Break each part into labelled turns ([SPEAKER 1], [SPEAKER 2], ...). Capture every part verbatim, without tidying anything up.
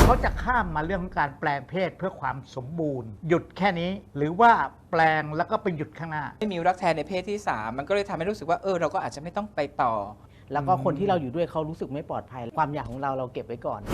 [SPEAKER 1] เขาจะข้ามมาเรื่องของการแปลงเพศเพื่อความสมบูรณ์ หยุดแค่นี้หรือว่าแปลงแล้วก็ไปหยุดข้างหน้า
[SPEAKER 2] ไม่มีรักแท้ในเพศที่สามมันก็เลยทำให้รู้สึกว่าเออเราก็อาจจะไม่ต้องไปต่อ
[SPEAKER 3] แล้วก็คนที่เราอยู่ด้วยเขารู้สึกไม่ปลอดภัยความอยากของเราเราเก็บไว้ก่อน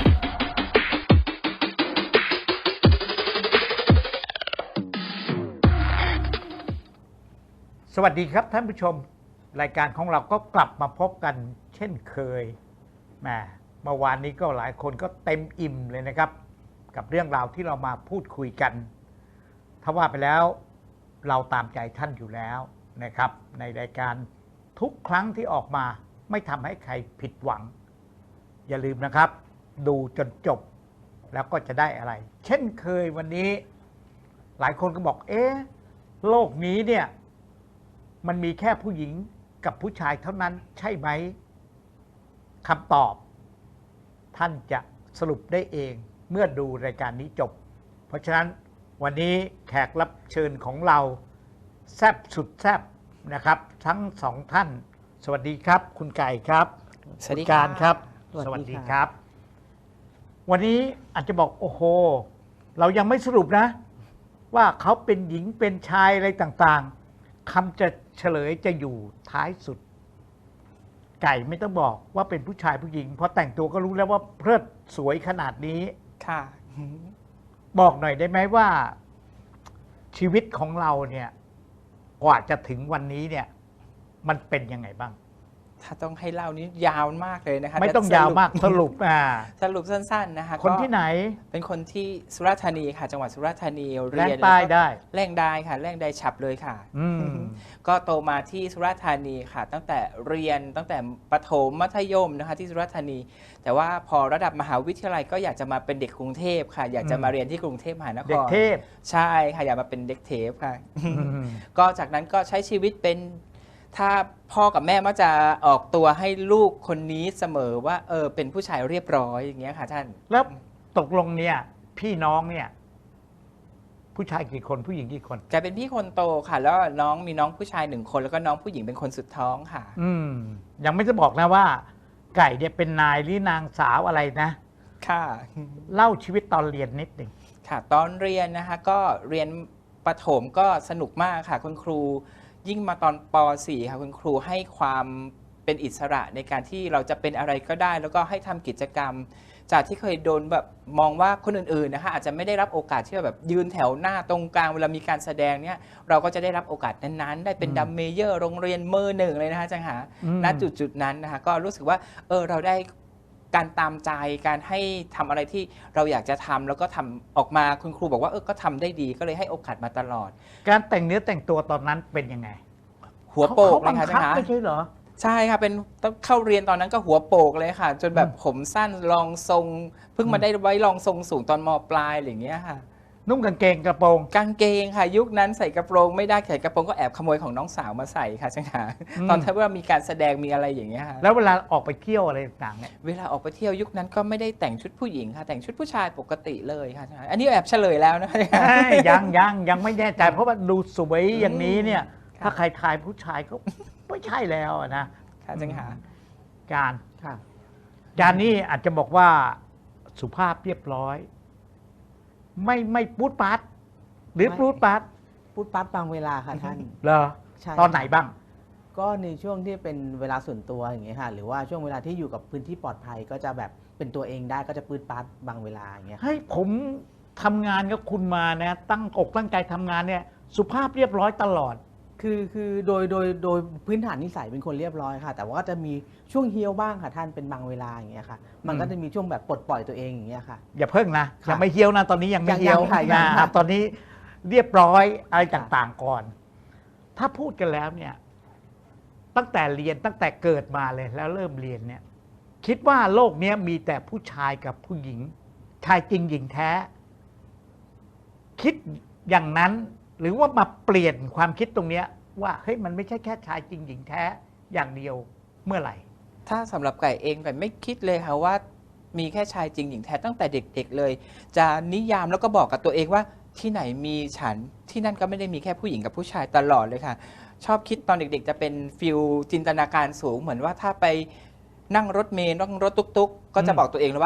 [SPEAKER 1] สวัสดีครับท่านผู้ชมรายการของเราก็กลับมาพบกันเช่นเคยแหมเมื่อวานนี้ก็หลายคนก็เต็มอิ่มเลยนะครับ กับเรื่องราวที่เรามาพูดคุยกันถ้าว่าไปแล้วเราตามใจท่านอยู่แล้วนะครับในรายการทุกครั้งที่ออกมาไม่ทำให้ใครผิดหวังอย่าลืมนะครับดูจนจบแล้วก็จะได้อะไรเช่นเคยวันนี้หลายคนก็บอกเอ๊ะโลกนี้เนี่ยมันมีแค่ผู้หญิงกับผู้ชายเท่านั้นใช่ไหมคำตอบท่านจะสรุปได้เองเมื่อดูรายการนี้จบเพราะฉะนั้นวันนี้แขกรับเชิญของเราแซ่บสุดแซ่บนะครับทั้งสองท่านสวัสดีครับคุณไก่ครับ
[SPEAKER 2] สวัสดี
[SPEAKER 1] การครับ
[SPEAKER 3] สวัสดี
[SPEAKER 1] ครับวันนี้อาจจะบอกโอ้โหเรายังไม่สรุปนะว่าเขาเป็นหญิงเป็นชายอะไรต่างๆคำจะเฉลยจะอยู่ท้ายสุดไก่ไม่ต้องบอกว่าเป็นผู้ชายผู้หญิงเพราะแต่งตัวก็รู้แล้วว่าเพลิดสวยขนาดนี้
[SPEAKER 2] ค่ะ
[SPEAKER 1] บอกหน่อยได้ไหมว่าชีวิตของเราเนี่ยกว่าจะถึงวันนี้เนี่ยมันเป็นยังไงบ้าง
[SPEAKER 2] ถ้าต้องให้เล่านี้ยาวมากเลยนะคะ
[SPEAKER 1] ไม่ต้องยาวมากสรุปอ่า
[SPEAKER 2] สรุปสั้นๆนะคะ
[SPEAKER 1] คนที่ไหน
[SPEAKER 2] เป็นคนที่สุราษฎร์ธานีค่ะจังหวัดสุราษฎร์ธานีเรียน
[SPEAKER 1] แรงใต้ได้
[SPEAKER 2] แรงได้ค่ะแรงได้ฉับเลยค่ะก็โตมาที่สุราษฎร์ธานีค่ะตั้งแต่เรียนตั้งแต่ประถมมัธยมนะคะที่สุราษฎร์ธานีแต่ว่าพอระดับมหาวิทยาลัยก็อยากจะมาเป็นเด็กกรุงเทพค่ะอยากจะมาเรียนที่กรุงเทพมหานคร
[SPEAKER 1] เด็กเทพ
[SPEAKER 2] ใช่ค่ะอยากมาเป็นเด็กเทพค่ะก็จากนั้นก็ใช้ชีวิตเป็นถ้าพ่อกับแม่มักจะออกตัวให้ลูกคนนี้เสมอว่าเออเป็นผู้ชายเรียบร้อยอย่างเงี้ยค่ะท่าน
[SPEAKER 1] แล้วตกลงเนี่ยพี่น้องเนี่ยผู้ชายกี่คนผู้หญิงกี่คน
[SPEAKER 2] แกเป็นพี่คนโตค่ะแล้วน้องมีน้องผู้ชายหนึ่งคนแล้วก็น้องผู้หญิงเป็นคนสุดท้องค่ะ
[SPEAKER 1] อืมยังไม่จะบอกนะว่าไก่เนี่ยเป็นนายหรือนางสาวอะไรนะ
[SPEAKER 2] ค่ะ
[SPEAKER 1] เล่าชีวิตตอนเรียนนิดหนึ่ง
[SPEAKER 2] ค่ะตอนเรียนนะคะก็เรียนประถมก็สนุกมากค่ะคุณครูยิ่งมาตอนป .สี่ ค่ะคุณครูให้ความเป็นอิสระในการที่เราจะเป็นอะไรก็ได้แล้วก็ให้ทำกิจกรรมจากที่เคยโดนแบบมองว่าคนอื่นๆนะคะอาจจะไม่ได้รับโอกาสที่แบบยืนแถวหน้าตรงกลางเวลามีการแสดงเนี่ยเราก็จะได้รับโอกาสนั้นๆได้เป็นดัมเมเยอร์โรงเรียนเมอร์หนึ่งเลยนะคะจังหาณจุดๆนั้นนะคะก็รู้สึกว่าเออเราได้การตามใจการให้ทำอะไรที่เราอยากจะทำแล้วก็ทำออกมาคุณครูบอกว่าเออก็ทำได้ดีก็เลยให้โอกาสมาตลอด
[SPEAKER 1] การแต่งเนื้อแต่งตัวตอนนั้นเป็นยังไง
[SPEAKER 2] หัวโปกเลยค่ะ
[SPEAKER 1] จังหาไม่ใช่เหรอ
[SPEAKER 2] ใช่ค่ะเป็นต้องเข้าเรียนตอนนั้นก็หัวโปกเลยค่ะจนแบบผมสั้นรองทรงเพิ่งมาได้ไว้รองทรงสูงตอนม.ปลายอะไรอย่างเงี้ยค่ะ
[SPEAKER 1] นุ่งกางเกงกระโปรง
[SPEAKER 2] กางเกงค่ะยุคนั้นใส่กระโปรงไม่ได้ใส่กระโปรงก็แอบขโมยของน้องสาวมาใส่ค่ะจังหาตอนที่ว่ามีการแสดงมีอะไรอย่างเงี้ยค่ะ
[SPEAKER 1] แล้วเวลาออกไปเที่ยวอะไรต่างๆเนี่ย
[SPEAKER 2] เวลาออกไปเที่ยวยุคนั้นก็ไม่ได้แต่งชุดผู้หญิงค่ะแต่งชุดผู้ชายปกติเลยค่ะอันนี้แอบเฉลยแล้วนะ
[SPEAKER 1] ยังยังยังไม่แน่ใจเพราะว่าดูสวยอย่างนี้เนี่ยถ้าใครทายผู้ชายก็ไม่ใช่แล้วนะ
[SPEAKER 2] ค่ะจังหา
[SPEAKER 1] การการนี้อาจจะบอกว่าสุภาพเรียบร้อยไม่ไม่พูดปัดหรือพูดปัด
[SPEAKER 3] พูดปัดบางเวลาค่ะท่าน
[SPEAKER 1] เหรอตอนไหนบ้าง
[SPEAKER 3] ก็ในช่วงที่เป็นเวลาส่วนตัวอย่างเงี้ยค่ะหรือว่าช่วงเวลาที่อยู่กับพื้นที่ปลอดภัยก็จะแบบเป็นตัวเองได้ก็จะพูดปัดบางเวลาอย่างเงี้ย
[SPEAKER 1] ให้ผมทำงานกับคุณมานะตั้งอกตั้งใจทำงานเนี่ยสุภาพเรียบร้อยตลอด
[SPEAKER 3] คือคือโดยโดยโดยพื้นฐานนิสัยเป็นคนเรียบร้อยค่ะแต่ว่าก็จะมีช่วงเฮี้ยวบ้างค่ะท่านเป็นบางเวลาอย่างเงี้ยค่ะมันก็จะมีช่วงแบบปลดปล่อยตัวเองอย่างเงี้ยค่ะ
[SPEAKER 1] อย่าเพิ่งนะยังไม่เฮี้ยวนะตอนนี้ยังไม่เฮี้ยวนะตอนนี้เรียบร้อยอะไรต่างๆก่อนถ้าพูดกันแล้วเนี่ยตั้งแต่เรียนตั้งแต่เกิดมาเลยแล้วเริ่มเรียนเนี่ยคิดว่าโลกนี้มีแต่ผู้ชายกับผู้หญิงชายจริงหญิงแท้คิดอย่างนั้นหรือว่ามาเปลี่ยนความคิดตรงนี้ว่าเฮ้ยมันไม่ใช่แค่ชายจริงหญิงแท้อย่างเดียวเมื่อไหร่
[SPEAKER 2] ถ้าสำหรับไก่เองไก่ไม่คิดเลยค่ะว่ามีแค่ชายจริงหญิงแท้ตั้งแต่เด็กๆเลยจะนิยามแล้วก็บอกกับตัวเองว่าที่ไหนมีฉันที่นั่นก็ไม่ได้มีแค่ผู้หญิงกับผู้ชายตลอดเลยค่ะชอบคิดตอนเด็กๆจะเป็นฟิลจินตนาการสูงเหมือนว่าถ้าไปนั่งรถเมล์นั่งรถตุ๊กๆก็จะบอกตัวเองเลยว่า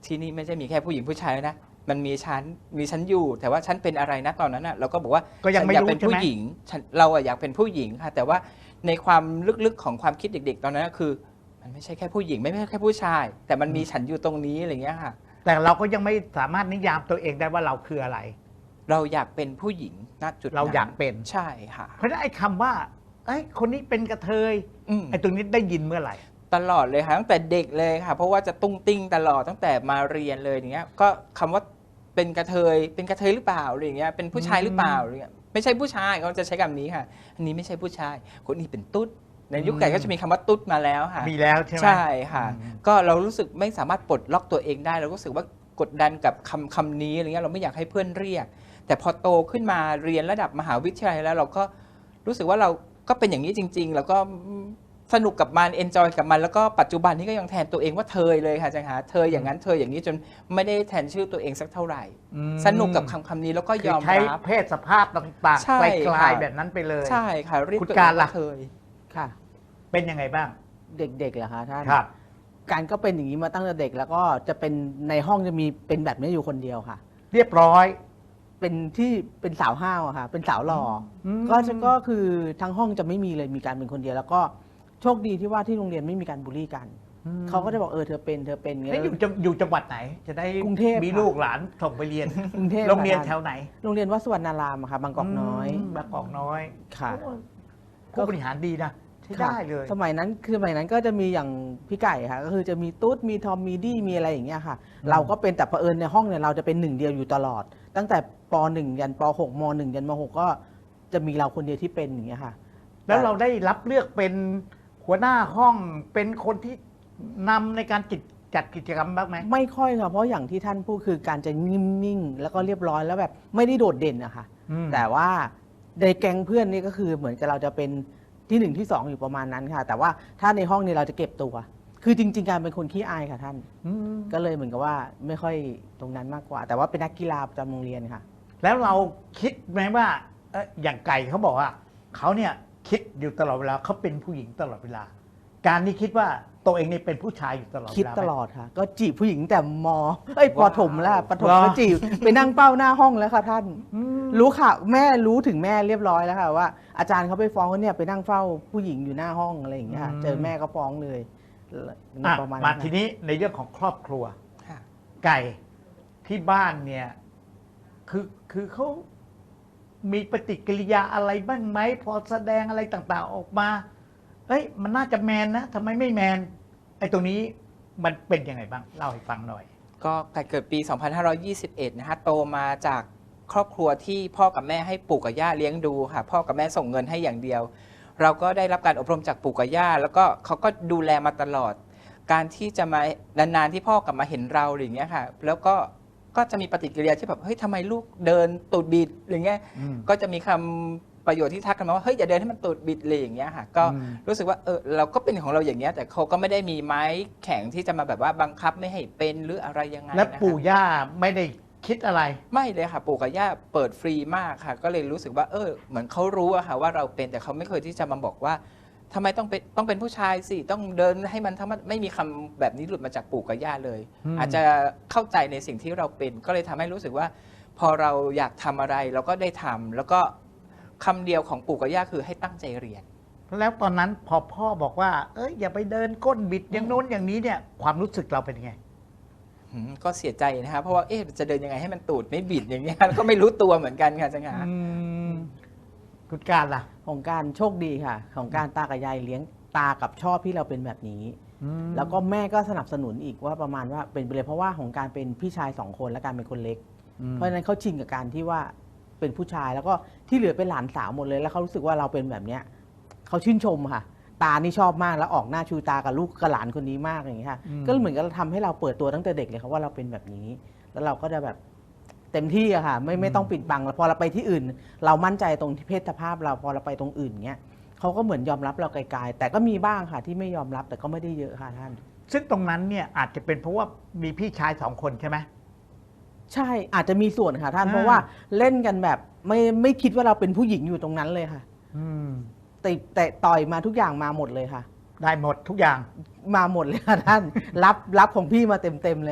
[SPEAKER 2] ที่นี่ไม่ใช่มีแค่ผู้หญิงผู้ชายนะมันมีชั้นมีชั้นอยู่แต่ว่าฉันเป็นอะไรนะตอนนั้นอ่ะเราก็บอกว่า
[SPEAKER 1] ก็ยังไม่
[SPEAKER 2] ฉันอยาก
[SPEAKER 1] รู้
[SPEAKER 2] เป็น
[SPEAKER 1] ใช่ไหม
[SPEAKER 2] ผู้หญิงฉันเราอะอยากเป็นผู้หญิงค่ะแต่ว่าในความลึกๆของความคิดเด็ก ๆ ตอนนั้นก็คือ มันไม่ใช่แค่ผู้หญิงไม่ใช่แค่ผู้ชาย แต่มันมีฉันอยู่ตรงนี้อะไรเงี้ยค่ะ
[SPEAKER 1] แต่เราก็ยังไม่สามารถนิยามตัวเองได้ว่าเราคืออะไร
[SPEAKER 2] เราอยากเป็นผู้หญิงณจุดนั้น
[SPEAKER 1] เราอยากเป็น
[SPEAKER 2] ใช่ค่ะ
[SPEAKER 1] เพราะฉะนั้นไอ้คำว่าเอ้ยคนนี้เป็นกระเทย
[SPEAKER 2] อืม
[SPEAKER 1] ไอ้ตรงนี้ได้ยินเมื่อไหร่
[SPEAKER 2] ตลอดเลยค่ะตั้งแต่เด็กเลยค่ะ เพราะว่าจะตุ้งติ้งตลอดตั้งแต่มาเรียนเลยอย่างเงี้ยก็คำว่าเป็นกระเทยเป็นกระเทยหรือเปล่าอะไรอย่างเงี้ยเป็นผู้ชายหรือเปล่าอะไรเงี้ยไม่ใช่ผู้ชายเขาจะใช้คำนี้ค่ะ อันนี้ไม่ใช่ผู้ชายคนนี้เป็นตุ๊ดในยุคไก่ก็จะมีคำว่าตุ๊ดมาแล้วค่ะ
[SPEAKER 1] มีแล้วใช่ไหม
[SPEAKER 2] ใช่ค่ะ
[SPEAKER 1] อืม
[SPEAKER 2] ก็เรารู้สึกไม่สามารถปลดล็อกตัวเองได้เรารู้สึกว่ากดดันกับคำคำนี้อะไรเงี้ยเราไม่อยากให้เพื่อนเรียก แต่พอโตขึ้นมาเรียนระดับมหาวิทยาลัยแล้วเราก็รู้สึกว่าเราก็เป็นอย่างนี้จริง ๆ แล้วก็สนุกกับมันเอนจอยกับมันแล้วก็ปัจจุบันนี้ก็ยังแทนตัวเองว่าเธอเลยค่ะอาจารย์คะเธออย่างนั้นเธออย่างนี้จนไม่ได้แทนชื่อตัวเองสักเท่าไหร่
[SPEAKER 1] อืม
[SPEAKER 2] สนุกกับคำคำนี้แล้วก็
[SPEAKER 1] คื
[SPEAKER 2] ย
[SPEAKER 1] อ
[SPEAKER 2] อม
[SPEAKER 1] ใช้
[SPEAKER 2] รับ
[SPEAKER 1] เพศสภาพต่าง
[SPEAKER 2] ใช่
[SPEAKER 1] ๆไกล
[SPEAKER 2] ค่ะ
[SPEAKER 1] ๆแบบนั้นไปเลย
[SPEAKER 2] ใช่ค่ะเรียก
[SPEAKER 1] คุณ
[SPEAKER 2] ตัวเอง
[SPEAKER 1] การล่ะ
[SPEAKER 2] ว่าเธอ
[SPEAKER 3] ค่ะ
[SPEAKER 1] เป็นยังไงบ้าง
[SPEAKER 3] เด็กๆเหรอคะท่าน
[SPEAKER 1] ครับ
[SPEAKER 3] การก็เป็นอย่างนี้มาตั้งแต่เด็กแล้วก็จะเป็นในห้องจะมีเป็นแบบนี้อยู่คนเดียวค่ะ
[SPEAKER 1] เรียบร้อย
[SPEAKER 3] เป็นที่เป็นสาวห้าวอะค่ะ เป็นสาวหล่ออ
[SPEAKER 1] ม
[SPEAKER 3] ก็จะก็คือทั้งห้องจะไม่มีเลยมีการเป็นคนเดียว แล้วก็โชคดีที่ว่าที่โรงเรียนไม่มีการบูลลี่กัน เขาก็จะบอกเออเธอเป็นเธอเป็นอย่างเงี้
[SPEAKER 1] แล้ว
[SPEAKER 3] ย
[SPEAKER 1] อยู่จังอยู่จังหวัดไหน จะได้
[SPEAKER 3] กรุงเทพ
[SPEAKER 1] มี
[SPEAKER 3] ค่ะ
[SPEAKER 1] ลูกหลานส่งไปเรียน
[SPEAKER 3] กรุงเทพ
[SPEAKER 1] โรงเรียน
[SPEAKER 3] ค่ะ
[SPEAKER 1] แถวไหน
[SPEAKER 3] โรงเรียนวัดสวรรณารามอะค่ะบางกอกน้อย
[SPEAKER 1] มบางกอกน้อย
[SPEAKER 3] ค่ะ
[SPEAKER 1] ผู้บริหารดีนะใช้ได้เลย
[SPEAKER 3] สมัยนั้นคือสมัยนั้นก็จะมีอย่างพี่ไก่ค่ะก็คือจะมีตุ๊ดมีทอมมีดี้มีอะไรอย่างเงี้ยค่ะ
[SPEAKER 1] อืม
[SPEAKER 3] เราก็เป็นแต่เผอิญในห้องเนี่ยเราจะเป็นหนึ่งเดียวอยู่ตลอด ตั้งแต่ป .หนึ่ง ยันป .หก ม .หนึ่ง ยันม .หก ก็จะมีเราคนเดียวที่เป็นอย่างเงี้ยค่ะ
[SPEAKER 1] แล้วเราได้รับเลือกเป็นหัวหน้าห้องเป็นคนที่นำในการจัดจัดกิจกรรมบ้างไหม
[SPEAKER 3] ไม่ค่อยค่ะเพราะอย่างที่ท่านพูดคือการจะนิ่งๆแล้วก็เรียบร้อยแล้วแบบไม่ได้โดดเด่นอะค่ะ
[SPEAKER 1] อืม
[SPEAKER 3] แต่ว่าในแก๊งเพื่อนนี่ก็คือเหมือนกับเราจะเป็นที่หนึ่งที่สองอยู่ประมาณนั้นค่ะ แต่ว่าถ้าในห้องนี้เราจะเก็บตัว คือจริง ๆ การเป็นคนขี้อายค่ะท่าน
[SPEAKER 1] อืม
[SPEAKER 3] ก็เลยเหมือนกับว่าไม่ค่อยตรงนั้นมากกว่า แต่ว่าเป็นนักกีฬาประจำโรงเรียนค่ะ
[SPEAKER 1] แล้วเราคิดไหมว่าเอ้ยอย่างไก่เขาบอกว่าเขาเนี่ยคิดอยู่ตลอดเวลาเขาเป็นผู้หญิงตลอดเวลา การที่คิดว่าตัวเองนี่เป็นผู้ชายอยู่ตลอดเวลา
[SPEAKER 3] คิด
[SPEAKER 1] ไหม
[SPEAKER 3] ตลอดค่ะ ก็จีบผู้หญิงแต่มเอ้ยป
[SPEAKER 2] ว้าว
[SPEAKER 3] ฐมแล้วปฐม
[SPEAKER 1] ว้าว
[SPEAKER 3] ก็จีบไปนั่งเป้าหน้าห้องแล้วค่ะท่าน
[SPEAKER 1] อืม
[SPEAKER 3] รู้ข่าวแม่รู้ถึงแม่เรียบร้อยแล้วค่ะว่าอาจารย์เขาไปฟ้องว่าเนี่ยไปนั่งเฝ้าผู้หญิงอยู่หน้าห้องอะไรอย่างเงี้ยค่ะเจอแม่ก็ฟ้องเลย
[SPEAKER 1] อ่ะ
[SPEAKER 3] ประมาณ
[SPEAKER 1] มา
[SPEAKER 3] นั้น
[SPEAKER 1] ทีนี้ในเรื่องของครอบครัว
[SPEAKER 2] ค่ะ
[SPEAKER 1] ไก่ที่บ้านเนี่ย คือคือเขามีปฏิกิริยาอะไรบ้างไหมพอแสดงอะไรต่างๆออกมาเอ้ยมันน่าจะแมนนะทำไมไม่แมนไอ้ตรงนี้มันเป็นยังไงบ้างเล่าให้ฟังหน่อย
[SPEAKER 2] ก็เกิดปี สองพันห้าร้อยยี่สิบเอ็ด นะคะโตมาจากครอบครัวที่พ่อกับแม่ให้ปู่กับย่าเลี้ยงดูค่ะ พ่อกับแม่ส่งเงินให้อย่างเดียว เราก็ได้รับการอบรมจากปู่กับย่าแล้วก็เขาก็ดูแลมาตลอด การที่จะมานานๆที่พ่อกลับมาเห็นเราอะไรอย่างเงี้ยค่ะ แล้วก็ก็จะมีปฏิกิริยาที่แบบเฮ้ยทำไมลูกเดินตูดบิดอะไรเงี้ย
[SPEAKER 1] อืม
[SPEAKER 2] ก็จะมีคำประโยชน์ที่ทักกันมาว่าเฮ้ยอย่าเดินให้มันตูดบิดเลยอย่างเงี้ยค่ะก็
[SPEAKER 1] อืม
[SPEAKER 2] รู้สึกว่าเออเราก็เป็นของเราอย่างเงี้ยแต่เขาก็ไม่ได้มีไม้แข็งที่จะมาแบบว่าบังคับไม่ให้เป็นหรืออะไรยังไง
[SPEAKER 1] และ
[SPEAKER 2] นะคะ
[SPEAKER 1] ปู่ย่าไม่ได้คิดอะไร
[SPEAKER 2] ไม่เลยค่ะปู่กับย่าเปิดฟรีมากค่ะ ก็เลยรู้สึกว่าเออเหมือนเขารู้อะค่ะว่าเราเป็นแต่เขาไม่เคยที่จะมาบอกว่าทำไมต้องเป็นต้องเป็นผู้ชายสิต้องเดินให้มันทั้งมันไม่มีคำแบบนี้หลุดมาจากปู่กับย่าเลย
[SPEAKER 1] อืม
[SPEAKER 2] อาจจะเข้าใจในสิ่งที่เราเป็น ก็เลยทำให้รู้สึกว่า พอเราอยากทำอะไรเราก็ได้ทำแล้วก็คำเดียวของปู่กับย่าคือให้ตั้งใจเรียน
[SPEAKER 1] แล้วตอนนั้นพอพ่อบอกว่า เอ้ยอย่าไปเดินก้นบิดอย่างโน้นอย่างนี้เนี่ย ความรู้สึกเราเป็นยังไง
[SPEAKER 2] อืมก็เสียใจนะครับเพราะว่าเอ๊ะจะเดินยังไงให้มันตูดไม่บิดอย่างเงี้ย ก็ไม่รู้ตัวเหมือนกันค่ะจังหา
[SPEAKER 1] อืมคุณการล่ะ
[SPEAKER 3] ของการโชคดีค่ะ ของการตากับยายเลี้ยงตากับชอบที่เราเป็นแบบนี้
[SPEAKER 1] อืม
[SPEAKER 3] แล้วก็แม่ก็สนับสนุนอีกว่าประมาณว่าเป็นไปเลยเพราะว่าของการเป็นพี่ชายสองคนและการเป็นคนเล็ก
[SPEAKER 1] อืม
[SPEAKER 3] เพราะฉะนั้นเขาชินกับการที่ว่าเป็นผู้ชายแล้วก็ที่เหลือเป็นหลานสาวหมดเลย แล้วเขารู้สึกว่าเราเป็นแบบเนี้ยเขาชื่นชมค่ะ ตานี่ชอบมากแล้วออกหน้าชูตากับลูกกับหลานคนนี้มากอย่างนี้ค่ะ
[SPEAKER 1] อืม
[SPEAKER 3] ก็เหมือนกับทำให้เราเปิดตัวตั้งแต่เด็กเลยครับว่าเราเป็นแบบนี้ แล้วเราก็จะแบบเต็มที่อะค่ะ ไม่ไม่ต้องปิดบังแล้วพอเราไปที่อื่น เรามั่นใจตรงที่เพศสภาพเราพอเราไปตรงอื่นเงี้ยเขาก็เหมือนยอมรับเราไกลๆแต่ก็มีบ้างค่ะที่ไม่ยอมรับแต่ก็ไม่ได้เยอะค่ะท่าน
[SPEAKER 1] ซึ่งตรงนั้นเนี่ยอาจจะเป็นเพราะว่ามีพี่ชายสองคนใช่ไหม
[SPEAKER 3] ใช่อาจจะมีส่วนค่ะท่าน
[SPEAKER 1] อ่า
[SPEAKER 3] เพราะว่าเล่นกันแบบไม่ไม่คิดว่าเราเป็นผู้หญิงอยู่ตรงนั้นเลยค่ะ
[SPEAKER 1] อืม
[SPEAKER 3] ติแต่ต่อยมาทุกอย่างมาหมดเลยค่ะ
[SPEAKER 1] ได้หมดทุกอย่าง
[SPEAKER 3] มาหมดเลยค่ะท่าน รับรับของพี่มาเต็มๆเลยค่ะ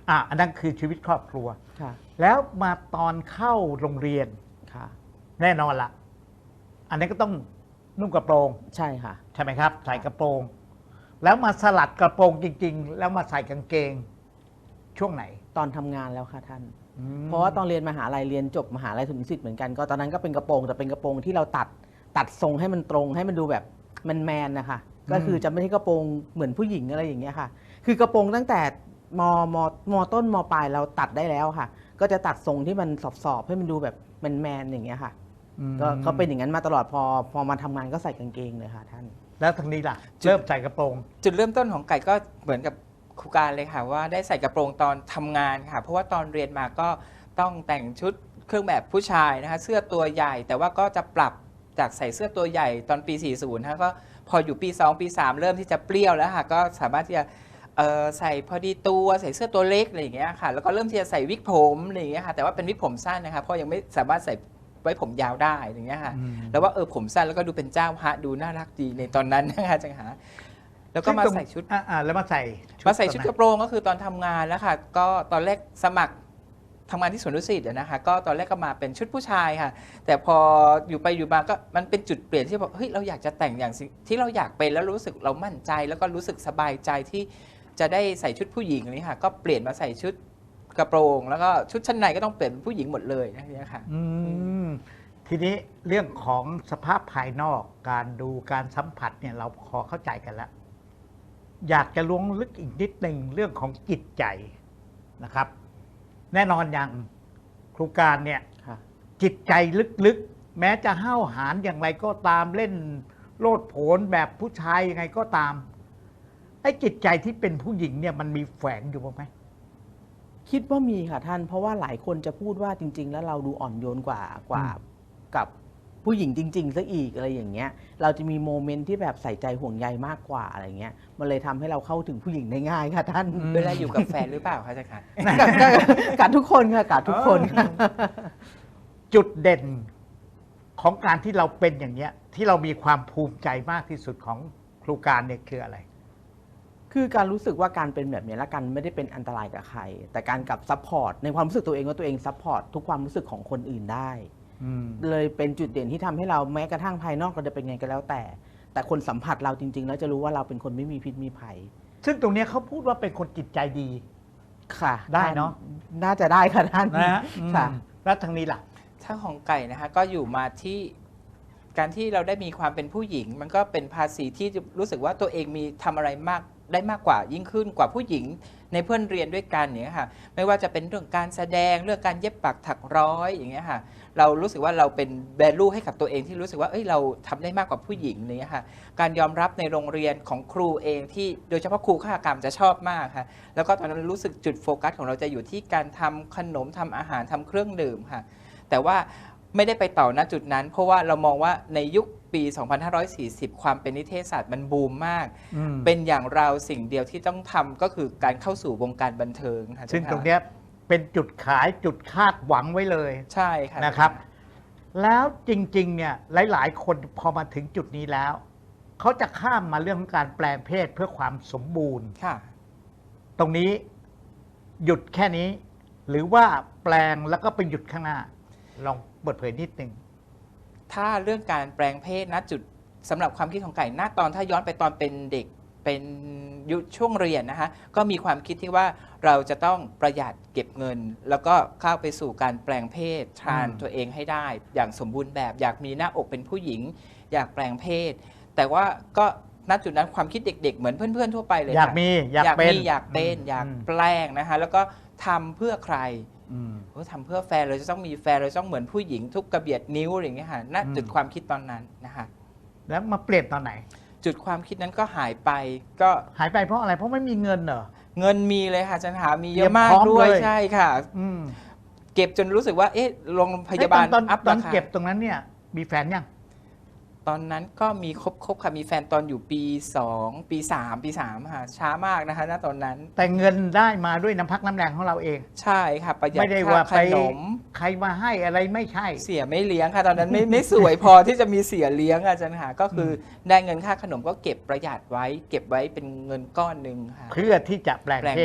[SPEAKER 1] อ่ะอันนั้นคือชีวิตครอบครัว
[SPEAKER 3] ค่ะ
[SPEAKER 1] แล้วมาตอนเข้าโรงเรียน
[SPEAKER 3] ค่ะ
[SPEAKER 1] แน่นอนละอันนี้ก็ต้องนุ่งกระโปรง
[SPEAKER 3] ใช่ค่ะ
[SPEAKER 1] ใช่ไหมครับ ใส่กระโปรง แล้วมาสลัดกระโปรงจริง ๆ แล้วมาใส่กางเกงช่วงไหน
[SPEAKER 3] ตอนทำงานแล้วค่ะท่าน
[SPEAKER 1] อืม
[SPEAKER 3] เพราะว่าตอนเรียนมหาลัยเรียนจบมหาลัยถึงศิษย์เหมือนกันก็ตอนนั้นก็เป็นกระโปรงแต่เป็นกระโปรงที่เราตัดตัดทรงให้มันตรงให้มันดูแบบแมนๆนะคะก็คือจะไม่ใช่กระโปรงเหมือนผู้หญิงอะไรอย่างเงี้ยค่ะ คือกระโปรงตั้งแต่มมมต้นมปลายเราตัดได้แล้วค่ะ ก็จะตัดทรงที่มันสอบๆให้มันดูแบบแมนๆอย่างเงี้ยค่ะ
[SPEAKER 1] อืม
[SPEAKER 3] ก็ก็เป็นอย่างนั้นมาตลอดพอพอมาทำงานก็ใส่กางเกงเลยค่ะท่าน
[SPEAKER 1] แล้วทางนี้ล่ะ เริ่มใส่กระโปรง
[SPEAKER 2] จุดเริ่มต้นของไก่ก็เหมือนกับครูการเลยค่ะว่าได้ใส่กระโปรงตอนทำงานค่ะ เพราะว่าตอนเรียนมาก็ต้องแต่งชุดเครื่องแบบผู้ชายนะคะเสื้อตัวใหญ่ แต่ว่าก็จะปรับจากใส่เสื้อตัวใหญ่ตอนปี สี่สิบนะคะก็พออยู่ปี สอง ปี สาม เริ่มที่จะเปรี้ยวแล้วค่ะก็สามารถที่จะเอ่อใส่พอดีตัวใส่เสื้อตัวเล็กอะไรอย่างเงี้ยค่ะแล้วก็เริ่มที่จะใส่วิกผมอะไรอย่างเงี้ยค่ะแต่ว่าเป็นวิกผมสั้นนะคะเพราะยังไม่สามารถใส่ไว้ผมยาวได้อย่างเงี้ยค่ะ
[SPEAKER 1] อืม
[SPEAKER 2] แล้วว่าเออผมสั้นแล้วก็ดูเป็นเจ้าฮะดูน่ารักดีในตอนนั้นนะคะจังหาแล้วก็มาใส่ชุด
[SPEAKER 1] อ่าอ่าแล้วมาใส่
[SPEAKER 2] มาใส่ชุด
[SPEAKER 1] ตอน
[SPEAKER 2] ก
[SPEAKER 1] ไหน
[SPEAKER 2] ระโปรงก็คือตอนทำงานแล้วค่ะ ก็ตอนแรกสมัครทำงานที่สวนดุสิตอะนะคะ ก็ตอนแรกก็มาเป็นชุดผู้ชายค่ะ แต่พออยู่ไปอยู่มาก็มันเป็นจุดเปลี่ยนที่บอกเฮ้ยเราอยากจะแต่งอย่างสิ่งที่เราอยากเป็นแล้วรู้สึกเรามั่นใจ แล้วก็รู้สึกสบายใจที่จะได้ใส่ชุดผู้หญิงนี่ค่ะ ก็เปลี่ยนมาใส่ชุดกระโปรง แล้วก็ชุดชั้นในก็ต้องเปลี่ยนเป็นผู้หญิงหมดเลยนะเนี่ยค่ะ
[SPEAKER 1] อืมทีนี้เรื่องของสภาพภายนอกการดูการสัมผัสเนี่ยเราพอเข้าใจกันแล้ว อยากจะล้วงลึกอีกนิดหนึ่งเรื่องของจิตใจนะครับ แน่นอนอย่างครูการเนี่ย
[SPEAKER 3] ค่ะ
[SPEAKER 1] จิตใจลึกๆ แม้จะห้าวหาญอย่างไรก็ตามเล่นโลดโผนแบบผู้ชายยังไงก็ตามไอ้จิตใจที่เป็นผู้หญิงเนี่ยมันมีแฝงอยู่บ้างไหม
[SPEAKER 3] คิดว่ามีค่ะท่าน เพราะว่าหลายคนจะพูดว่าจริง ๆ แล้วเราดูอ่อนโยนกว่ากว่า
[SPEAKER 1] อืม
[SPEAKER 3] กับผู้หญิงจริงๆซะอีกอะไรอย่างเงี้ย เราจะมีโมเมนต์ที่แบบใส่ใจห่วงใยมากกว่าอะไรเงี้ย มันเลยทำให้เราเข้าถึงผู้หญิงได้ง่ายค่ะท่าน
[SPEAKER 2] เวลาอยู่กับแฟนหรือเปล่าคะอาจารย์คะ
[SPEAKER 3] กัดกัดกัดทุกคนค่ะกัดทุกคนค่ะ
[SPEAKER 1] จุดเด่นของการที่เราเป็นอย่างเนี้ย ที่เรามีความภูมิใจมากที่สุดของครูการเนี่ยคืออะไร
[SPEAKER 3] คือการรู้สึกว่าการเป็นแบบนี้และกันไม่ได้เป็นอันตรายกับใคร แต่การกลับซัพพอร์ตในความรู้สึกตัวเองว่าตัวเองซัพพอร์ตทุกความรู้สึกของคนอื่นได้
[SPEAKER 1] อืม
[SPEAKER 3] เลยเป็นจุดเด่นที่ทำให้เราแม้กระทั่งภายนอกเราจะเป็นไงก็แล้วแต่ แต่คนสัมผัสเราจริง ๆ แล้วจะรู้ว่าเราเป็นคนไม่มีพิษมีภัย
[SPEAKER 1] ซึ่งตรงเนี้ยเขาพูดว่าเป็นคนจิตใจดี
[SPEAKER 3] ค่ะ
[SPEAKER 1] ได้เนอะ
[SPEAKER 3] น่าจะได้ค่ะท่าน
[SPEAKER 1] นะฮะ
[SPEAKER 3] ค่ะ
[SPEAKER 1] อืมแล้วทางนี้ล่ะ
[SPEAKER 2] ถ้าของไก่นะคะก็อยู่มาที่การที่เราได้มีความเป็นผู้หญิง มันก็เป็นภาษีที่รู้สึกว่าตัวเองมีทำอะไรมากได้มากกว่ายิ่งขึ้นกว่าผู้หญิงในเพื่อนเรียนด้วยกันอย่างเงี้ยค่ะไม่ว่าจะเป็นเรื่องการแสดงเรื่องการเย็บปักถักร้อยอย่างเงี้ยค่ะเรารู้สึกว่าเราเป็นแวลูให้กับตัวเองที่รู้สึกว่าเอ้ยเราทำได้มากกว่าผู้หญิงอย่างเงี้ยค่ะการยอมรับในโรงเรียนของครูเองที่โดยเฉพาะครูข้ากรรมจะชอบมากค่ะแล้วก็ตอนนั้นรู้สึกจุดโฟกัสของเราจะอยู่ที่การทำขนมทำอาหารทำเครื่องดื่มค่ะแต่ว่าไม่ได้ไปต่อณจุดนั้น เพราะว่าเรามองว่าในยุคปี สองพันห้าร้อยสี่สิบ ความเป็นนิเทศศาสตร์มันบูมมาก
[SPEAKER 1] อืม
[SPEAKER 2] เป็นอย่างเราสิ่งเดียวที่ต้องทำก็คือการเข้าสู่วงการบันเทิงค่ะ
[SPEAKER 1] ซึ่ง
[SPEAKER 2] อาจาย์
[SPEAKER 1] ตรงเนี้ยเป็นจุดขายจุดคาดหวังไว้เลย
[SPEAKER 2] ใช่ค่ะ
[SPEAKER 1] นะครับ แล้วจริงๆเนี่ยหลายๆ คนพอมาถึงจุดนี้แล้ว เขาจะข้ามมาเรื่องของการแปลงเพศเพื่อความสมบูรณ์
[SPEAKER 2] ค่ะ
[SPEAKER 1] ตรงนี้หยุดแค่นี้ หรือว่าแปลงแล้วก็ไปหยุดข้างหน้า ลองเปิดเผยนิดนึง
[SPEAKER 2] ถ้าเรื่องการแปลงเพศณจุดสำหรับความคิดของไก่ณตอนถ้าย้อนไปตอนเป็นเด็กเป็นยุคช่วงเรียนนะคะก็มีความคิดที่ว่าเราจะต้องประหยัดเก็บเงิน แล้วก็เข้าไปสู่การแปลงเพศทราน
[SPEAKER 1] อืม
[SPEAKER 2] ตัวเองให้ได้ อย่างสมบูรณ์แบบ อยากมีหน้าอกเป็นผู้หญิง อยากแปลงเพศ แต่ว่าก็ณจุดนั้นความคิดเด็กๆเหมือนเพื่อนๆทั่วไปเลย
[SPEAKER 1] อยาก
[SPEAKER 2] ค่ะ
[SPEAKER 1] มีอยาก
[SPEAKER 2] อยาก
[SPEAKER 1] เป็น
[SPEAKER 2] มีอยากเป็น
[SPEAKER 1] ม
[SPEAKER 2] อยาก
[SPEAKER 1] ม
[SPEAKER 2] แปลงนะคะแล้วก็ทำเพื่อใคร
[SPEAKER 1] อืม
[SPEAKER 2] โอ้ทำเพื่อแฟนเราจะต้องมีแฟนเราต้องเหมือนผู้หญิงทุกกระเบียดนิ้วอะไรอย่างเงี้ยค่ะณ
[SPEAKER 1] อืม
[SPEAKER 2] จุดความคิดตอนนั้นนะคะ
[SPEAKER 1] แล้วมาเปลี่ยนตอนไหน
[SPEAKER 2] จุดความคิดนั้นก็หายไปก็
[SPEAKER 1] หายไปเพราะอะไรเพราะไม่มีเงินเหรอ
[SPEAKER 2] เงินมีเลยค่ะอาจันหามีเย
[SPEAKER 1] เตรีย
[SPEAKER 2] อะ
[SPEAKER 1] ม
[SPEAKER 2] มาก
[SPEAKER 1] พร้อม
[SPEAKER 2] ด้วย
[SPEAKER 1] เลย
[SPEAKER 2] ใช่ค่ะ
[SPEAKER 1] อืม
[SPEAKER 2] เก็บจนรู้สึกว่าเอ๊ะโรงพยาบาล
[SPEAKER 1] ตอน
[SPEAKER 2] อัพ
[SPEAKER 1] ตอ
[SPEAKER 2] ราน คา
[SPEAKER 1] เก็บตรงนั้นเนี่ย มีแฟนยัง
[SPEAKER 2] ตอนนั้นก็มีครบครบค่ะมีแฟนตอนอยู่ปีสองปีสามปีสามค่ะช้ามากนะคะณตอนนั้น
[SPEAKER 1] แต่เงินได้มาด้วยน้ำพักน้ำแรงของเราเอง
[SPEAKER 2] ใช่ค่ะประหยัด
[SPEAKER 1] ไม่ได้
[SPEAKER 2] ค่า
[SPEAKER 1] ว่า
[SPEAKER 2] ข
[SPEAKER 1] ไป
[SPEAKER 2] นม
[SPEAKER 1] ใครมาให้อะไรไม่ใช่
[SPEAKER 2] เสียไม่เลี้ยงค่ะตอนนั้นไม่ไม่สวยพอที่จะมีเสียเลี้ยงอาจารย์หาก็คือได้เงินค่าขนมก็เก็บประหยัดไว้ เก็บไว้เป็นเงินก้อนหนึ่งค่ะ
[SPEAKER 1] เพื่อที่จะแปลง
[SPEAKER 2] แปลง
[SPEAKER 1] เพศ
[SPEAKER 2] เพศ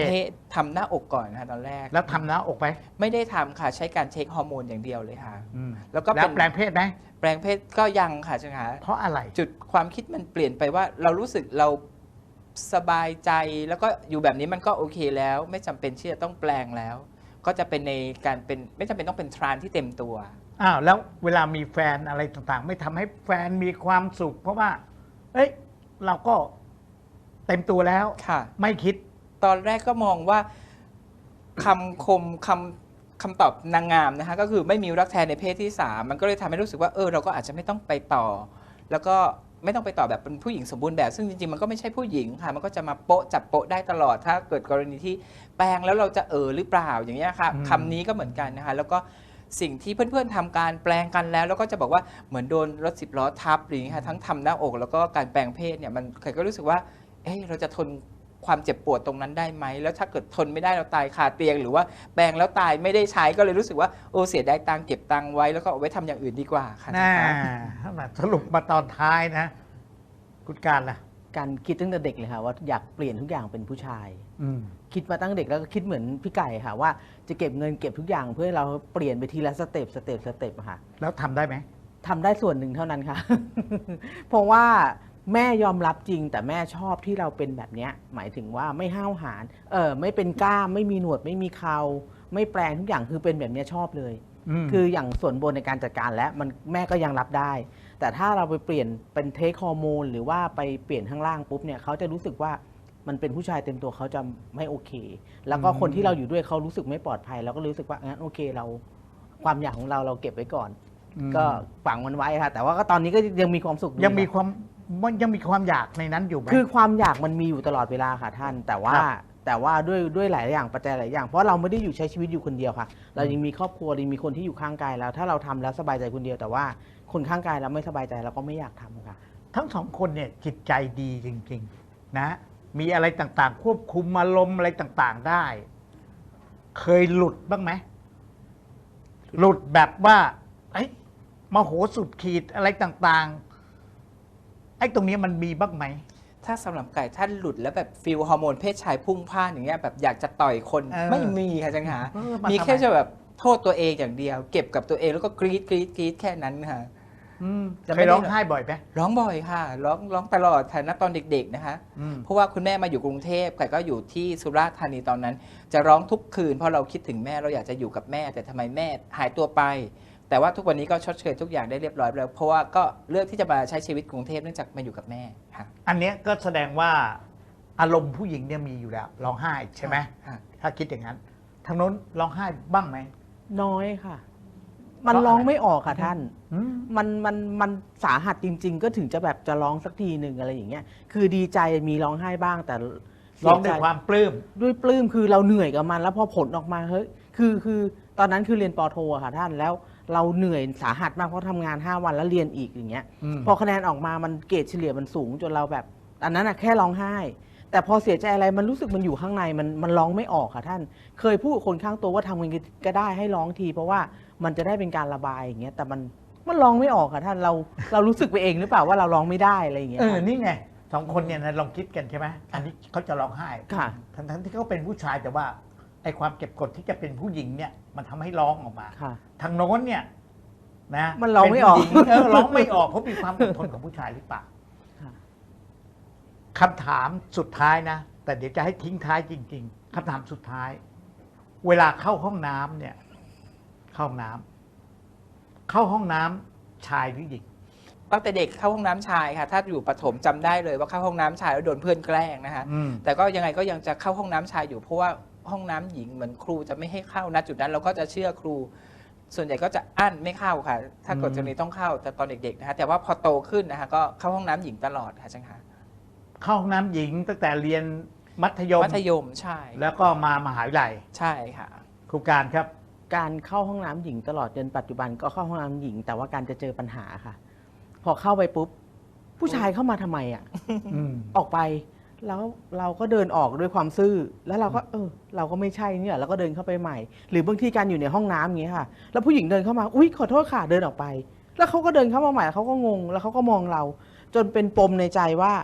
[SPEAKER 2] ทำหน้าอกก่อนนะคะตอนแรก
[SPEAKER 1] แล้วทำหน้าอกไป
[SPEAKER 2] ไม่ได้ทำค่ะใช้การเช็คฮอร์โมนอย่างเดียวเลยค่ะ
[SPEAKER 1] อืม
[SPEAKER 2] แล้วก็
[SPEAKER 1] แล้
[SPEAKER 2] เป็
[SPEAKER 1] วน แปลงเพศไหม
[SPEAKER 2] แปลงเพศก็ยังค่ะอาจารย์คะ
[SPEAKER 1] เพราะอะไร
[SPEAKER 2] จุดความคิดมันเปลี่ยนไปว่าเรารู้สึกเราสบายใจแล้วก็อยู่แบบนี้มันก็โอเคแล้ว ไม่จำเป็นที่จะต้องแปลงแล้ว ก็จะเป็นในการเป็นไม่จำเป็นต้องเป็นทรานที่เต็มตัว
[SPEAKER 1] อ้าวแล้วเวลามีแฟนอะไรต่างๆ ไม่ทำให้แฟนมีความสุข เพราะว่า เอ้ยเราก็เต็มตัวแล้ว
[SPEAKER 2] ค่ะ
[SPEAKER 1] ไม่คิด
[SPEAKER 2] ตอนแรกก็มองว่าคำคมคำคำตอบนางงามนะคะก็คือไม่มีรักแท้ในเพศที่สามมันก็เลยทำให้รู้สึกว่าเออเราก็อาจจะไม่ต้องไปต่อ แล้วก็ไม่ต้องไปต่อแบบเป็นผู้หญิงสมบูรณ์แบบซึ่งจริงๆมันก็ไม่ใช่ผู้หญิงค่ะมันก็จะมาโปะจับโปะได้ตลอด ถ้าเกิดกรณีที่แปลงแล้วเราจะเออหรือเปล่าอย่างเงี้ยค่ะ
[SPEAKER 1] อืม
[SPEAKER 2] คำนี้ก็เหมือนกันนะคะแล้วก็สิ่งที่เพื่อนๆทำการแปลงกันแล้ว แล้วก็จะบอกว่าเหมือนโดนรถสิบล้อทับหรืออย่างเงี้ยค่ะทั้งทำหน้าอก แล้วก็การแปลงเพศเนี่ยมันใครก็รู้สึกว่าเอ้เราจะทนความเจ็บปวดตรงนั้นได้ไหมแล้วถ้าเกิดทนไม่ได้เราตายคาเตียง หรือว่าแปลงแล้วตายไม่ได้ใช้ก็เลยรู้สึกว่าโอ้เสียดายตังค์เก็บตังค์ไว้แล้วก็เอาไว้ทำอย่างอื่นดีกว่าค่ะ
[SPEAKER 1] น่า
[SPEAKER 2] นะคะ
[SPEAKER 1] สรุปมาตอนท้ายนะ คุณการล่ะ
[SPEAKER 3] การคิดตั้งแต่เด็กเลยค่ะว่าอยากเปลี่ยนทุกอย่างเป็นผู้ชาย
[SPEAKER 1] อืม
[SPEAKER 3] คิดมาตั้งเด็กแล้วก็คิดเหมือนพี่ไก่ค่ะว่าจะเก็บเงินเก็บทุกอย่างเพื่อให้เราเปลี่ยนไปทีละสเต็ปสเต็ปสเต็ปอะค่ะ
[SPEAKER 1] แล้วทำได้ไหม
[SPEAKER 3] ทำได้ส่วนหนึ่งเท่านั้นค่ะ เพราะว่าแม่ยอมรับจริง แต่แม่ชอบที่เราเป็นแบบเนี้ยหมายถึงว่าไม่ห้าวหาญเออไม่เป็นกล้ามไม่มีหนวดไม่มีเคราไม่แปลงทุกอย่างคือเป็นแบบเนี้ยชอบเลย
[SPEAKER 1] อืม
[SPEAKER 3] คืออย่างส่วนบนในการจัดการแล้วมันแม่ก็ยังรับได้ แต่ถ้าเราไปเปลี่ยนเป็นเทคฮอร์โมนหรือว่าไปเปลี่ยนข้างล่างปุ๊บเนี่ยเขาจะรู้สึกว่ามันเป็นผู้ชายเต็มตัวเขาจะไม่โอเค แล้วก็คนที่เราอยู่ด้วยเขารู้สึกไม่ปลอดภัยเราก็รู้สึกว่างั้นโอเคเราความอยากของเราเราเก็บไว้ก่อน
[SPEAKER 1] อืม
[SPEAKER 3] ก็ฝังมันไว้ค่ะ แต่ว่าก็ตอนนี้ก็ยังมีความสุขอ
[SPEAKER 1] ยังมี
[SPEAKER 3] ค่ะ
[SPEAKER 1] ความมันยังมีความอยากในนั้นอยู่ไหม
[SPEAKER 3] คือความอยากมันมีอยู่ตลอดเวลาค่ะท่าน แต่ว่า
[SPEAKER 1] ครับ
[SPEAKER 3] แต่ว่าด้วยด้วยหลายอย่างปัจจัยหลายอย่างเพราะเราไม่ได้อยู่ใช้ชีวิตอยู่คนเดียวค่ะ เรายังมีครอบครัวยังมีคนที่อยู่ข้างกายแล้ว ถ้าเราทำแล้วสบายใจคนเดียวแต่ว่าคนข้างกายเราไม่สบายใจเราก็ไม่อยากทำค่ะ
[SPEAKER 1] ทั้งสองคนเนี่ยจิตใจดีจริง ๆ นะ มีอะไรต่างๆ ควบคุมอารมณ์อะไรต่างๆได้ เคยหลุดบ้างไหมหลุดแบบว่าไอ้ยมโหสุดขีดอะไรต่างๆไอ้ตรงนี้มันมีบ้างไหม
[SPEAKER 2] ถ้าสำหรับไก่ท่านหลุดแล้วแบบฟิลฮอร์โมนเพศชายพุ่งพล่านอย่างเงี้ยแบบอยากจะต่อยคน
[SPEAKER 1] เออ
[SPEAKER 2] ไม่มีค่ะจังหา
[SPEAKER 1] เออมา
[SPEAKER 2] มี
[SPEAKER 1] ทำไม
[SPEAKER 2] แค่จะแบบโทษตัวเองอย่างเดียว เก็บกับตัวเองแล้วก็กรีดกรีดกรีดแค่นั้นค่ะ
[SPEAKER 1] อืม
[SPEAKER 2] จะ
[SPEAKER 1] เค
[SPEAKER 2] ไม่
[SPEAKER 1] ย
[SPEAKER 2] ได้
[SPEAKER 1] ร้องไห้บ่อยไหม
[SPEAKER 2] ร้องบ่อยค่ะ ร้องร้องตลอดฐานะตอนเด็กๆนะคะ
[SPEAKER 1] อืม
[SPEAKER 2] เพราะว่าคุณแม่มาอยู่กรุงเทพไก่ก็อยู่ที่สุราษฎร์ธานีตอนนั้น จะร้องทุกคืนเพราะเราคิดถึงแม่เราอยากจะอยู่กับแม่ แต่ทำไมแม่หายตัวไป แต่ว่าทุกวันนี้ก็ชดเชยทุกอย่างได้เรียบร้อยแล้ว เพราะว่าก็เลือกที่จะมาใช้ชีวิตกรุงเทพเนื่องจากมาอยู่กับแม่ค่ะ
[SPEAKER 1] อันเนี้ยก็แสดงว่าอารมณ์ผู้หญิงเนี่ยมีอยู่แล้วร้องไห้ใช่ไหม
[SPEAKER 2] ค่ะ
[SPEAKER 1] ถ้าคิดอย่างนั้นทางโน้นร้องไห้บ้างไหม
[SPEAKER 3] น้อยค่ะ มัน
[SPEAKER 1] เพราะอะไร
[SPEAKER 3] ร้องไม่ออกค่ะท่าน
[SPEAKER 1] อืม
[SPEAKER 3] มันมันมันสาหัสจริง ๆ ก็ถึงจะแบบจะร้องสักทีหนึ่งอะไรอย่างเงี้ย คือดีใจมีร้องไห้บ้างแต่เสี
[SPEAKER 1] ร้องด้วย
[SPEAKER 3] ใจ
[SPEAKER 1] ความปลื้ม
[SPEAKER 3] ด้วยปลื้มคือเราเหนื่อยกับมัน แล้วพอผลออกมาเฮ้ยคือคือตอนนั้นคือเรียนปอโทอะค่ะท่านแล้วเราเหนื่อยสาหัสมากเพราะทำงานห้าวันแล้วเรียนอีกอย่างเงี้ย
[SPEAKER 1] อืม
[SPEAKER 3] พอคะแนนออกมามันเกรดเฉลี่ยมันสูงจนเราแบบอันนั้นอะแค่ร้องไห้ แต่พอเสียใจอะไรมันรู้สึกมันอยู่ข้างในมันมันร้องไม่ออกค่ะท่าน เคยพูดกับคนข้างตัวว่าทำยังไงก็ได้ให้ร้องที เพราะว่ามันจะได้เป็นการระบายอย่างเงี้ยแต่มันมันร้องไม่ออกค่ะท่านเราเรารู้สึกไปเองหรือเปล่าว่าเราร้องไม่ได้อะไรอย่างเงี้ย
[SPEAKER 1] เออ
[SPEAKER 3] ค่ะ
[SPEAKER 1] นี่ไงสองคนเนี่ยนะลองคิดกันใช่ไหมอันนี้เขาจะร้องไห้
[SPEAKER 3] ค่ะ
[SPEAKER 1] ทั้งทั้งที่เขาเป็นผู้ชายแต่ว่าไอ้ความเก็บกดที่จะเป็นผู้หญิงเนี่ยมันทำให้ร้องออกมา
[SPEAKER 3] ค่ะ
[SPEAKER 1] ทางโน้นเนี่ยนะ
[SPEAKER 3] มันร้องไม่ออก
[SPEAKER 1] เป็นผู้หญิงเออร้องไม่ออกเพราะมีความอดทนของผู้ชายหรือเปล่า
[SPEAKER 3] ค่ะ
[SPEAKER 1] คำถามสุดท้ายนะ แต่เดี๋ยวจะให้ทิ้งท้ายจริง ๆคำถามสุดท้าย เวลาเข้าห้องน้ำเนี่ย เข้าห้องน้ำเข้าห้องน้ำชายหรือหญิง
[SPEAKER 2] ตั้งแต่เด็กเข้าห้องน้ำชายค่ะ ถ้าอยู่ประถมจำได้เลยว่าเข้าห้องน้ำชายแล้วโดนเพื่อนแกล้งนะคะ
[SPEAKER 1] อืม
[SPEAKER 2] แต่ก็ยังไงก็ยังจะเข้าห้องน้ำชายอยู่เพราะว่าห้องน้ำหญิงเหมือนครูจะไม่ให้เข้าณจุดนั้นเราก็จะเชื่อครู ส่วนใหญ่ก็จะอั้นไม่เข้าค่ะ ถ้าเกิด
[SPEAKER 1] อืม
[SPEAKER 2] จะมีต้องเข้าแต่ตอนเด็กๆนะคะแต่ว่าพอโตขึ้นนะคะก็เข้าห้องน้ำหญิงตลอดค่ะจังค่ะ
[SPEAKER 1] เข้าห้องน้ำหญิงตั้งแต่เรียนมัธยม
[SPEAKER 2] มัธยมใช่
[SPEAKER 1] แล้วก็มามหาวิทยาลัย
[SPEAKER 2] ใช่ค่ะ
[SPEAKER 1] ครูการครับ
[SPEAKER 3] การเข้าห้องน้ำหญิงตลอดจนปัจจุบันก็เข้าห้องน้ำหญิง แต่ว่าการจะเจอปัญหาค่ะ พอเข้าไปปุ๊บ ผู้ชายเข้ามาทำไมอ่ะ
[SPEAKER 1] อืม
[SPEAKER 3] ออกไป แล้วเราก็เดินออกด้วยความซื่อ แล้วเราก็เออ เราก็ไม่ใช่เนี่ยเราก็เดินเข้าไปใหม่ หรือบางทีการอยู่ในห้องน้ำอย่างเงี้ยค่ะ แล้วผู้หญิงเดินเข้ามาอุ๊ยขอโทษค่ะเดินออกไป แล้วเขาก็เดินเข้ามาใหม่เขาก็งงแล้วเขาก็มองเรา จนเป็นปมในใจว่า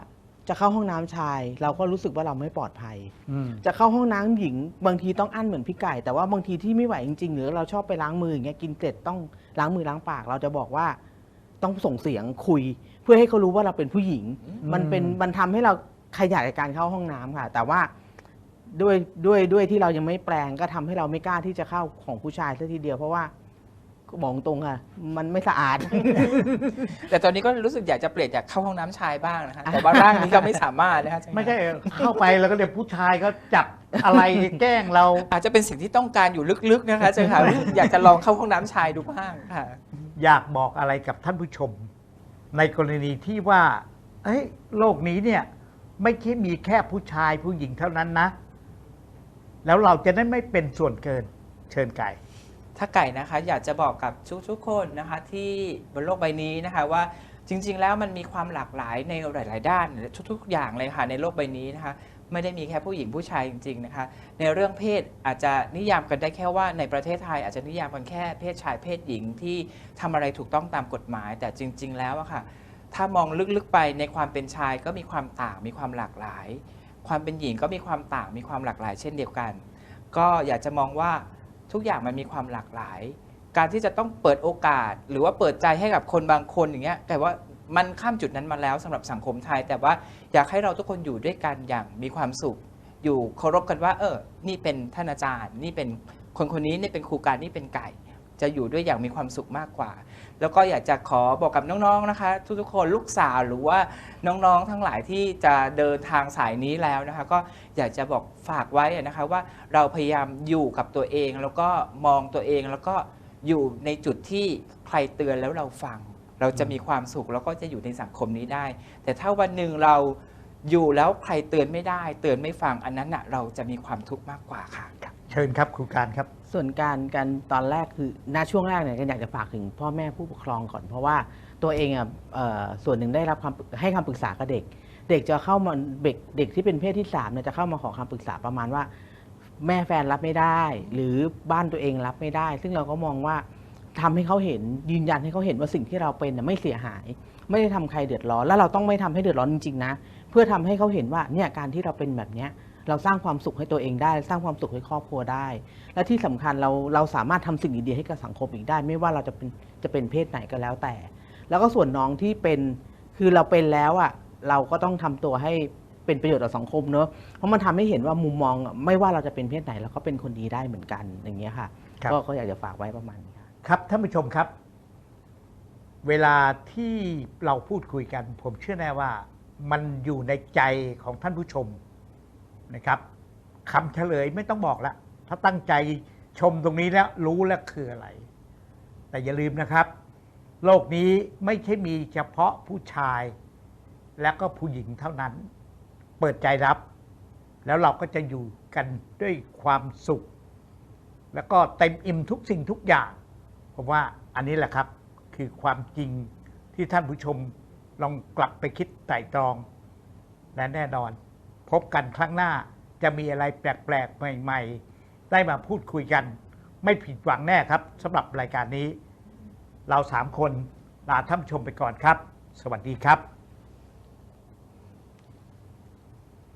[SPEAKER 3] จะเข้าห้องน้ำชาย เราก็รู้สึกว่าเราไม่ปลอดภัย
[SPEAKER 1] อืม
[SPEAKER 3] จะเข้าห้องน้ำหญิงบางทีต้องอั้นเหมือนพี่ไก่ แต่ว่าบางทีที่ไม่ไหวจริงๆหรือเราชอบไปล้างมืออย่างเงี้ยกินเสร็จต้องล้างมือล้างปาก เราจะบอกว่าต้องส่งเสียงคุย เพื่อให้เขารู้ว่าเราเป็นผู้หญิง มันเป็นมันทำให้เราขยายการเข้าห้องน้ำค่ะ แต่ว่าด้วยด้วยด้วยที่เรายังไม่แปลงก็ทำให้เราไม่กล้าที่จะเข้าของผู้ชายซะทีเดียวเพราะว่าบอกตรงค่ะมันไม่สะอาด
[SPEAKER 2] แต่ตอนนี้ก็รู้สึกอยากจะเปลี่ยนจากเข้าห้องน้ำชายบ้างนะคะแต่ว่าร่างนี้ก็ไม่สามารถนะคะ
[SPEAKER 1] ไม่ใช่เข้าไปแล้วก็เดี๋ยวผู้ชายเขาจับอะไรแกล้งเรา
[SPEAKER 2] อาจจะเป็นสิ่งที่ต้องการอยู่ลึกๆนะคะเจ้าค่ะ อยากจะลองเข้าห้องน้ำชายดูบ้างค่ะ
[SPEAKER 1] อยากบอกอะไรกับท่านผู้ชม ในกรณีที่ว่าเฮ้ยโลกนี้เนี่ย ไม่ใช่มีแค่ผู้ชายผู้หญิงเท่านั้นนะ แล้วเราจะได้ไม่เป็นส่วนเกินเชิญไก่
[SPEAKER 2] ถ้าไก่นะคะอยากจะบอกกับทุกๆคนนะคะที่บนโลกใบนี้นะคะว่าจริงๆแล้วมันมีความหลากหลายในหลายๆด้านทุกๆอย่างเลยค่ะในโลกใบนี้นะคะไม่ได้มีแค่ผู้หญิงผู้ชายจริงๆนะคะในเรื่องเพศอาจจะนิยามกันได้แค่ว่าในประเทศไทยอาจจะนิยามกันแค่เพศชายเพศหญิงที่ทำอะไรถูกต้องตามกฎหมาย แต่จริง ๆแล้วอะค่ะถ้ามองลึกๆไปในความเป็นชายก็มีความต่างมีความหลากหลาย ความเป็นหญิงก็มีความต่างมีความหลากหลายเช่นเดียวกัน ก็อยากจะมองว่าทุกอย่างมันมีความหลากหลาย การที่จะต้องเปิดโอกาส หรือว่าเปิดใจให้กับคนบางคนอย่างเงี้ยแต่ว่ามันข้ามจุดนั้นมาแล้วสำหรับสังคมไทย แต่ว่าอยากให้เราทุกคนอยู่ด้วยกันอย่างมีความสุข อยู่เคารพกันว่าเออนี่เป็นท่านอาจารย์ นี่เป็นคนคนนี้นี่เป็นครูการนี่เป็นไก่ จะอยู่ด้วยอย่างมีความสุขมากกว่า แล้วก็อยากจะขอบอกกับน้องๆนะคะทุกๆคนลูกสาวหรือว่าน้องๆทั้งหลายที่จะเดินทางสายนี้แล้วนะคะก็อยากจะบอกฝากไว้นะคะว่าเราพยายามอยู่กับตัวเองแล้วก็มองตัวเองแล้วก็อยู่ในจุดที่ใครเตือนแล้วเราฟัง เราจะมีความสุขแล้วก็จะอยู่ในสังคมนี้ได้ แต่ถ้าวันหนึ่งเราอยู่แล้วใครเตือนไม่ได้เตือนไม่ฟังอันนั้นน่ะเราจะมีความทุกข์มากกว่าค่ะ
[SPEAKER 1] เชิญครับครูการครับ
[SPEAKER 3] ส่วนการการตอนแรกคือณช่วงแรกเนี่ยก็อยากจะฝากถึงพ่อแม่ผู้ปกครองก่อน เพราะว่าตัวเองอ่ะเอ่อส่วนหนึ่งได้รับคำให้คำปรึกษากับเด็ก เด็กจะเข้ามาเด็กเด็กที่เป็นเพศที่สามเนี่ยจะเข้ามาขอคำปรึกษาประมาณว่า แม่แฟนรับไม่ได้ หรือบ้านตัวเองรับไม่ได้ ซึ่งเราก็มองว่าทำให้เขาเห็นยืนยันให้เขาเห็นว่าสิ่งที่เราเป็นน่ะไม่เสียหาย ไม่ได้ทำใครเดือดร้อนแล้วเราต้องไม่ทำให้เดือดร้อนจริงๆนะเพื่อทำให้เขาเห็นว่าเนี่ยการที่เราเป็นแบบเนี้ยเราสร้างความสุขให้ตัวเองได้ สร้างความสุขให้ครอบครัวได้ และที่สำคัญเราเราสามารถทำสิ่งดีๆให้กับสังคมอีกได้ ไม่ว่าเราจะเป็นจะเป็นเพศไหนก็แล้วแต่ แล้วก็ส่วนน้องที่เป็นคือเราเป็นแล้วอ่ะเราก็ต้องทำตัวให้เป็นประโยชน์ต่อสังคมเนอะเพราะมันทำให้เห็นว่ามุมมองไม่ว่าเราจะเป็นเพศไหนเราก็เป็นคนดีได้เหมือนกันอย่างเงี้ยค่ะ
[SPEAKER 1] ครับ
[SPEAKER 3] ก็ก็อยากจะฝากไว้ประมาณนี้ค่ะ
[SPEAKER 1] ครับท่านผู้ชมครับ เวลาที่เราพูดคุยกัน ผมเชื่อแน่ว่ามันอยู่ในใจของท่านผู้ชมนะครับคำเฉลยไม่ต้องบอกละถ้าตั้งใจชมตรงนี้แล้วรู้แล้วคืออะไร แต่อย่าลืมนะครับ โลกนี้ไม่ใช่มีเฉพาะผู้ชาย และก็ผู้หญิงเท่านั้น เปิดใจรับ แล้วเราก็จะอยู่กันด้วยความสุข แล้วก็เต็มอิ่มทุกสิ่งทุกอย่างผมว่าอันนี้แหละครับคือความจริงที่ท่านผู้ชมลองกลับไปคิดไตร่ตรองและแน่นอน พบกันครั้งหน้าจะมีอะไรแปลกๆใหม่ๆได้มาพูดคุยกัน ไม่ผิดหวังแน่ครับสำหรับรายการนี้ เราสามคนลาท่านผู้ชมไปก่อนครับ สวัสดีครับ